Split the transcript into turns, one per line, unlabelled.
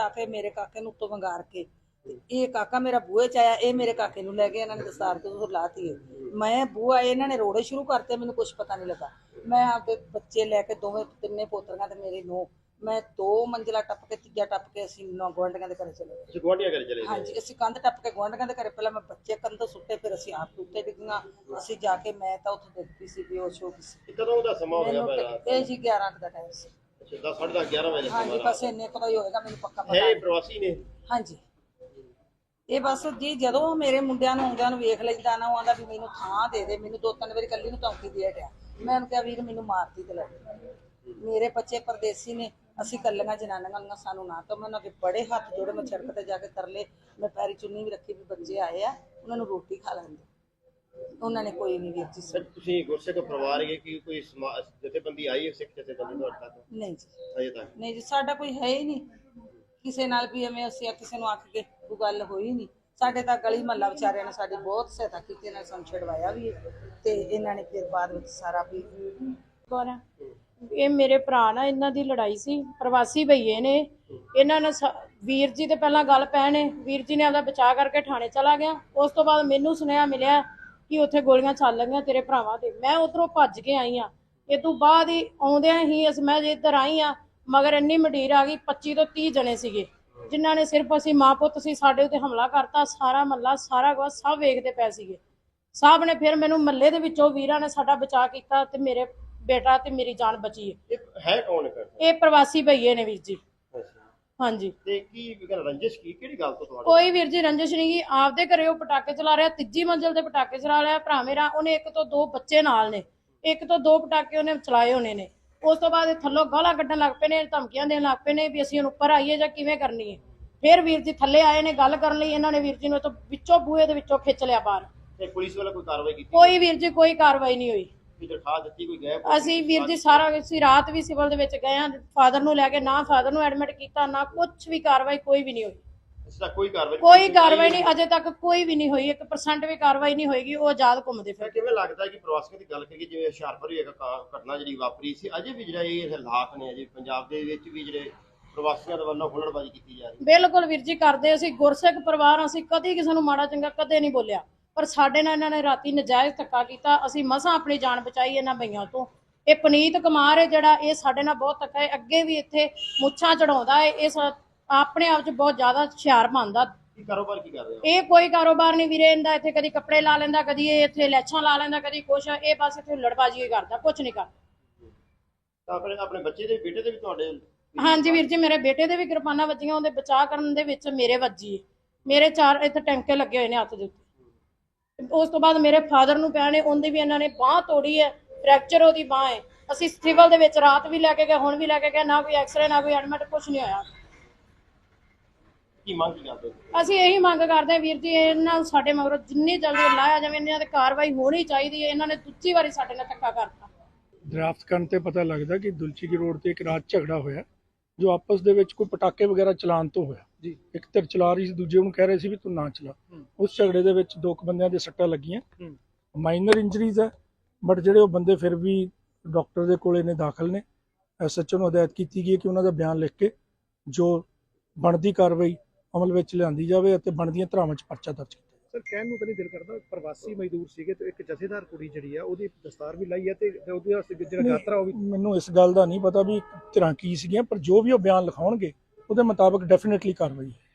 आके मेरे काके नूं उत्तों वंगार के ये काका मेरा बूहे च आया, ये मेरे काके नूं लै गए, इन्हां ने दस्तार तो लाती है। मैं बूहा इन्हां ने रोड़े शुरू करते, मैनूं कुछ पता नहीं लगा। मैं आपदे बच्चे लैके दोवें तिन्ने पोतरियां ते मेरी नूंह, मैं 2 मंजिला टप के तीजा टप के असीं गुआंढियां दे घरे चले गए।
गुआंढियां घरे चले गए?
हाँ जी, असीं कंध टप के गुआंढियां दे घरे, पहलां मैं बच्चे कंध सुट्टे, फिर असीं आप उत्ते डिग्गियां। असीं जाके मैं तां उत्थे डिग पई सी, बेहोश हो गई सी।
कदों दा समा हो गया मेरा?
ਇਹ ਜੀ 11 ਦਾ ਟਾਈਮ ਸੀ।
अच्छा, 10 साढ़े 10 11 बजे?
हाँ जी, बस इन्ने को ही होएगा, मैनूं पक्का पता
है
नहीं।
प्रवासी ने?
हाँ जी, ਇਹ ਬਸ ਜੀ ਜਦੋਂ ਮੇਰੇ ਮੁੰਡਿਆਂ ਨੂੰ ਆਉਂਦਿਆਂ ਨੂੰ ਵੇਖ ਲੈਂਦਾ ਨਾ, ਉਹ ਆਂਦਾ ਵੀ ਮੈਨੂੰ ਥਾਂ ਦੇ ਦੇ। ਮੈਨੂੰ 2-3 ਵਾਰੀ ਕੱਲੀ ਨੂੰ ਧਮਕੀ ਦੇ ਹਟਿਆ। ਮੈਂ ਉਹਨੂੰ ਕਿਹਾ ਵੀਰ ਮੈਨੂੰ ਮਾਰਦੀ ਤੇ ਲੈ, ਮੇਰੇ ਬੱਚੇ ਪਰਦੇਸੀ ਨੇ, ਅਸੀਂ ਕੱਲੀਆਂ ਜਨਾਨੀਆਂ ਨੂੰ ਸਾਨੂੰ ਨਾ। ਤਾਂ ਮੈਂ ਉਹਨਾਂ ਦੇ ਬੜੇ ਹੱਥ ਜੋੜੇ, ਮੈਂ ਸੜਕ ਤੇ ਜਾ ਕੇ ਤਰਲੇ, ਮੈਂ ਪੈਰੀ ਚੁੰਨੀ ਵੀ ਰੱਖੀ ਵੀ ਬੱਚੇ ਆਏ ਆ, ਉਹਨਾਂ ਨੂੰ ਰੋਟੀ ਖਾ ਲੈਂਦੇ। ਉਹਨਾਂ ਨੇ ਕੋਈ ਨਹੀਂ ਵੀਰ ਜੀ।
ਤੁਸੀਂ ਗੁਰਸਿੱਖ ਪਰਿਵਾਰ ਹੈ ਕਿ ਕੋਈ ਜਥੇਬੰਦੀ ਆਈ ਹੈ, ਸਿੱਖ ਜਥੇਬੰਦੀ ਤੁਹਾਡੇ ਤੱਕ?
ਨਹੀਂ ਜੀ,
ਅਜੇ ਤੱਕ
ਨਹੀਂ ਜੀ, ਸਾਡਾ ਕੋਈ ਹੈ ਹੀ ਨਹੀਂ ਕਿਸੇ ਨਾਲ ਵੀ ਐਵੇਂ ਅਸੀਂ ਕਿਸੇ ਨੂੰ ਆਖ ਕੇ ਕੋਈ ਗੱਲ ਹੋਈ ਨਹੀਂ। ਸਾਡੇ ਤਾਂ ਗਲੀ ਮਹੱਲਾ ਵਿਚਾਰਿਆਂ ਨੇ ਸਾਡੀ ਬਹੁਤ ਸਹਾਇਤਾ ਕੀਤੀ, ਇਹਨਾਂ ਨੇ ਸਾਨੂੰ ਛਡਵਾਇਆ ਵੀ ਤੇ ਇਹਨਾਂ ਨੇ ਫਿਰ ਬਾਅਦ ਵਿੱਚ ਸਾਰਾ ਵੀ।
ਕੌਣ? ਇਹ ਮੇਰੇ ਭਰਾ ਨਾਲ ਇਹਨਾਂ ਦੀ ਲੜਾਈ ਸੀ, ਪ੍ਰਵਾਸੀ ਭਈਏ ਨੇ। ਇਹਨਾਂ ਨੇ ਵੀਰ ਜੀ ਤੇ ਪਹਿਲਾਂ ਗੱਲ ਪੈਣੇ, ਵੀਰ ਜੀ ਨੇ ਆਪਦਾ ਬਚਾਅ ਕਰਕੇ ਥਾਣੇ ਚਲਾ ਗਿਆ। ਉਸ ਤੋਂ ਬਾਅਦ ਮੈਨੂੰ ਸੁਨੇਹਾ ਮਿਲਿਆ ਕਿ ਉੱਥੇ ਗੋਲੀਆਂ ਚੱਲ ਰਹੀਆਂ ਤੇਰੇ ਭਰਾਵਾਂ ਤੇ। ਮੈਂ ਉਧਰੋਂ ਭੱਜ ਕੇ ਆਈ ਆ। ਇਹ ਤੋਂ ਬਾਅਦ ਹੀ ਆਉਂਦਿਆਂ ਹੀ ਮੈਂ ਜੇ ਇੱਧਰ ਆਈ ਆ, ਮਗਰ ਇੰਨੀ ਮੰਡੀਰ ਆ ਗਈ, 25 ਤੋਂ 30 ਜਣੇ ਸੀਗੇ, ਜਿਨ੍ਹਾਂ ਨੇ ਸਿਰਫ ਅਸੀਂ ਮਾਂ ਪੁੱਤ ਸੀ, ਸਾਡੇ ਉੱਤੇ ਹਮਲਾ ਕਰਤਾ। ਸਾਰਾ ਮਹੱਲਾ ਸਾਰਾ ਕੁਝ ਸਭ ਵੇਖਦੇ ਪਏ ਸੀਗੇ। ਸਭ ਨੇ ਫਿਰ ਮੈਨੂੰ ਮਹੱਲੇ ਦੇ ਵਿੱਚੋਂ ਵੀਰਾਂ ਨੇ ਸਾਡਾ ਬਚਾਅ ਕੀਤਾ ਤੇ ਮੇਰੇ ਬੇਟਾ ਤੇ ਮੇਰੀ ਜਾਨ ਬਚੀ
ਹੈ। ਕੌਣ ਕਰ?
ਇਹ ਪ੍ਰਵਾਸੀ ਭਈਏ ਨੇ ਵੀਰ ਜੀ। ਹਾਂਜੀ।
ਤੇ ਕੀ ਰੰਜਿਸ਼ ਕੀ ਕਿਹੜੀ ਗੱਲ ਤੋਂ ਤੁਹਾਡੇ?
ਕੋਈ ਵੀਰ ਜੀ ਰੰਜਿਸ਼ ਨਹੀਂ ਗੀ। ਆਪਦੇ ਘਰੇ ਉਹ ਪਟਾਕੇ ਚਲਾ ਰਿਹਾ, 3ਜੀ ਮੰਜ਼ਿਲ ਤੇ ਪਟਾਕੇ ਚਲਾ ਰਿਹਾ ਭਰਾ ਮੇਰਾ। ਉਹਨੇ 1 ਤੋਂ 2 ਬੱਚੇ ਨਾਲ ਨੇ, 1 ਤੋਂ 2 ਪਟਾਕੇ ਉਹਨੇ ਚਲਾਏ ਹੋਣੇ ਨੇ। ਉਸ ਤੋਂ ਬਾਅਦ ਥੱਲੋਂ ਗਾਲਾਂ ਕੱਢਣ ਲੱਗ ਪਏ ਨੇ, ਧਮਕੀਆਂ ਦੇਣ ਲੱਗ ਪਏ ਨੇ ਵੀ ਅਸੀਂ ਹੁਣ ਉੱਪਰ ਆਈਏ ਜਾਂ ਕਿਵੇਂ ਕਰਨੀ ਹੈ। ਫਿਰ ਵੀਰ ਜੀ ਥੱਲੇ ਆਏ ਨੇ ਗੱਲ ਕਰਨ ਲਈ। ਇਹਨਾਂ ਨੇ ਵੀਰ ਜੀ ਨੂੰ ਤੋਂ ਵਿੱਚੋਂ ਬੂਹੇ ਦੇ ਵਿੱਚੋਂ ਖਿੱਚ ਲਿਆ ਬਾਹਰ।
ਤੇ ਪੁਲਿਸ ਵਾਲਾ ਕੋਈ ਕਾਰਵਾਈ ਕੀਤੀ?
ਕੋਈ ਵੀਰ ਜੀ ਕੋਈ ਕਾਰਵਾਈ ਨਹੀਂ ਹੋਈ।
ਕੋਈ ਦਰਖਾਸਤ ਦਿੱਤੀ? ਕੋਈ ਗਏ?
ਅਸੀਂ ਵੀਰ ਜੀ ਸਾਰਾ ਅਸੀਂ ਰਾਤ ਵੀ ਸਿਵਲ ਦੇ ਵਿੱਚ ਗਏ ਆ, ਫਾਦਰ ਨੂੰ ਲੈ ਕੇ, ਨਾ ਫਾਦਰ ਨੂੰ ਐਡਮਿਟ ਕੀਤਾ, ਨਾ ਕੁਝ ਵੀ ਕਾਰਵਾਈ ਕੋਈ ਵੀ ਨਹੀਂ ਹੋਈ।
ਇਸ ਦਾ ਕੋਈ ਕਾਰਵਾਈ?
ਕੋਈ ਕਾਰਵਾਈ ਨਹੀਂ, ਅਜੇ ਤੱਕ ਕੋਈ ਵੀ ਨਹੀਂ ਹੋਈ। 1% ਵੀ ਕਾਰਵਾਈ ਨਹੀਂ ਹੋਏਗੀ। ਉਹ ਆਜ਼ਾਦ ਘੁੰਮਦੇ ਫਿਰ।
ਕਿਵੇਂ ਲੱਗਦਾ ਕਿ ਪ੍ਰਵਾਸੀਆਂ ਦੀ ਗੱਲ ਕਰੀਏ, ਜਿਵੇਂ ਹੁਸ਼ਿਆਰਪੁਰ ਵੀ ਇੱਕ ਘਟਨਾ ਜਿਹੜੀ ਵਾਪਰੀ ਸੀ, ਅਜੇ ਵੀ ਜਿਹੜਾ ਇਹ ਹਾਲਾਤ ਨੇ, ਅਜੇ ਪੰਜਾਬ ਦੇ ਵਿੱਚ ਵੀ ਜਿਹੜੇ ਪ੍ਰਵਾਸੀਆਂ ਦੇ ਵੱਲੋਂ ਹੁਲੜਬਾਜ਼ੀ ਕੀਤੀ ਜਾ ਰਹੀ?
ਬਿਲਕੁਲ ਵੀਰ ਜੀ ਕਰਦੇ। ਅਸੀਂ ਗੁਰਸਿੱਖ ਪਰਿਵਾਰ, ਅਸੀਂ ਕਦੇ ਕਿਸੇ ਨੂੰ ਮਾੜਾ ਚੰਗਾ ਕਦੇ ਨਹੀਂ ਬੋਲਿਆ, ਪਰ ਸਾਡੇ ਨਾਲ ਇਹਨਾਂ ਨੇ ਰਾਤੀ ਨਜਾਇਜ਼ ਧੱਕਾ ਕੀਤਾ। ਅਸੀਂ ਮਸਾਂ ਆਪਣੀ ਜਾਨ ਬਚਾਈ ਇਹਨਾਂ ਬਈਆਂ ਤੋਂ। ਇਹ ਪਨੀਤ ਕੁਮਾਰ ਹੈ ਜਿਹੜਾ, ਇਹ ਸਾਡੇ ਨਾਲ ਬਹੁਤ ਧੱਕਾ ਹੈ। ਅੱਗੇ ਵੀ ਇੱਥੇ ਮੁੱਛਾਂ ਚੜਾਉਂਦਾ ਹੈ। ਇਹ ਆਪਣੇ ਆਪ 'ਚ ਬਹੁਤ ਜ਼ਿਆਦਾ ਹੁਸ਼ਿਆਰ ਬਣਦਾ।
ਕੀ ਕਾਰੋਬਾਰ ਕੀ ਕਰ ਰਹੇ ਹੋ?
ਇਹ ਕੋਈ ਕਾਰੋਬਾਰ ਨਹੀਂ ਵੀਰੇ ਇਹਦਾ। ਇੱਥੇ ਕਦੀ ਕੱਪੜੇ ਲਾ ਲੈਂਦਾ, ਕਦੀ ਇਹ ਇੱਥੇ ਲੈਛਾਂ ਲਾ ਲੈਂਦਾ, ਕਦੀ ਕੁਛ। ਇਹ ਬਸ ਇੱਥੇ ਹੁਲੜਬਾਜ਼ੀ ਹੀ ਕਰਦਾ, ਕੁਛ ਨਹੀਂ ਕਰਦਾ।
ਆਪਣੇ ਬੱਚੇ ਦੇ ਬੇਟੇ ਦੇ ਵੀ ਤੁਹਾਡੇ?
ਹਾਂਜੀ ਵੀਰ ਜੀ, ਮੇਰੇ ਬੇਟੇ ਦੇ ਵੀ ਕਿਰਪਾਨਾਂ ਵੱਜੀਆਂ। ਉਹਦੇ ਬਚਾਅ ਕਰਨ ਦੇ ਵਿੱਚ ਮੇਰੇ ਵੱਜੀ। ਮੇਰੇ 4 ਇੱਥੇ ਟੈਂਕੇ ਲੱਗੇ ਹੋਏ ਨੇ ਹੱਥ ਦੇ ਉੱਤੇ। ਉਸ ਤੋਂ ਬਾਅਦ ਮੇਰੇ ਫਾਦਰ ਨੂੰ ਪਿਆ ਨੇ, ਉਹਦੀ ਵੀ ਇਹਨਾਂ ਨੇ ਬਾਂਹ ਤੋੜੀ ਹੈ, ਫ੍ਰੈਕਚਰ ਉਹਦੀ ਬਾਂਹ ਹੈ। ਅਸੀਂ ਸਿਵਲ ਦੇ ਵਿੱਚ ਰਾਤ ਵੀ ਲੈ ਕੇ ਗਏ, ਹੁਣ ਵੀ ਲੈ ਕੇ ਗਏ, ਨਾ ਕੋਈ ਐਕਸਰੇ ਨਾ ਕੋਈ ਐਡਮਿਟ, ਕੁਛ ਨਹੀਂ ਹੋਇਆ।
ਕੀ ਮੰਗ ਕਰਦੇ?
ਅਸੀਂ ਇਹੀ ਮੰਗ ਕਰਦੇ ਹਾਂ ਵੀਰ ਜੀ, ਇਹਨਾਂ ਸਾਡੇ ਮਗਰੋਂ ਜਿੰਨੀ ਜਲਦੀ ਲਾਇਆ ਜਾਵੇ, ਇਹਨਾਂ ਤੇ ਕਾਰਵਾਈ ਹੋਣੀ ਚਾਹੀਦੀ ਹੈ। ਇਹਨਾਂ ਨੇ ਦੂਜੀ ਵਾਰੀ ਸਾਡੇ ਨਾਲ ਧੱਕਾ ਕਰਤਾ।
ਡਰਾਫਟ ਕਰਨ ਤੇ ਪਤਾ ਲੱਗਦਾ ਕਿ ਦੁਲਚੀ ਕੀ ਰੋਡ ਤੇ ਇੱਕ ਰਾਤ ਝਗੜਾ ਹੋਇਆ, ਜੋ ਆਪਸ ਦੇ ਵਿੱਚ ਕੋਈ ਪਟਾਕੇ ਵਗੈਰਾ ਚਲਾਉਣ ਤੋਂ ਹੋਇਆ ਜੀ। ਇੱਕ ਧਿਰ ਚਲਾ ਰਹੀ ਸੀ, ਦੂਜੇ ਨੂੰ ਕਹਿ ਰਹੇ ਸੀ ਵੀ ਤੂੰ ਨਾ ਚਲਾ। ਉਸ ਝਗੜੇ ਦੇ ਵਿੱਚ 2 ਬੰਦਿਆਂ ਦੇ ਸੱਟਾਂ ਲੱਗੀਆਂ, ਮਾਈਨਰ ਇੰਜਰੀਜ਼ ਹੈ, ਬਟ ਜਿਹੜੇ ਉਹ ਬੰਦੇ ਫਿਰ ਵੀ ਡਾਕਟਰ ਦੇ ਕੋਲੇ ਨੇ ਦਾਖਲ ਨੇ। SHO ਨੂੰ ਹਦਾਇਤ ਕੀਤੀ ਗਈ ਹੈ ਕਿ ਉਹਨਾਂ ਦਾ ਬਿਆਨ ਲਿਖ ਕੇ ਜੋ ਬਣਦੀ ਕਾਰਵਾਈ ਅਮਲ ਵਿੱਚ ਲਿਆਂਦੀ ਜਾਵੇ ਅਤੇ ਬਣਦੀਆਂ ਧਾਰਾਵਾਂ 'ਚ ਪਰਚਾ ਦਰਜ ਕੀਤਾ।
ਸਰ ਕਹਿਣ ਨੂੰ ਤਾਂ ਨਹੀਂ ਦਿਲ ਕਰਦਾ, ਪ੍ਰਵਾਸੀ ਮਜ਼ਦੂਰ ਸੀਗੇ ਤੇ ਇੱਕ ਜਥੇਦਾਰ ਕੁੜੀ ਜਿਹੜੀ ਆ ਉਹਦੀ ਦਸਤਾਰ ਵੀ ਲਾਈ ਹੈ ਤੇ ਉਹਦੀ ਜਿਹੜਾ ਯਾਤਰਾ ਉਹ ਵੀ।
ਮੈਨੂੰ ਇਸ ਗੱਲ ਦਾ ਨਹੀਂ ਪਤਾ ਵੀ ਧਿਰਾਂ ਕੀ ਸੀਗੀਆਂ, ਪਰ ਜੋ ਵੀ ਉਹ ਬਿਆਨ ਲਿਖਾਉਣਗੇ ਉਹਦੇ ਮੁਤਾਬਕ ਡੈਫੀਨੇਟਲੀ ਕਾਰਵਾਈ ਹੈ।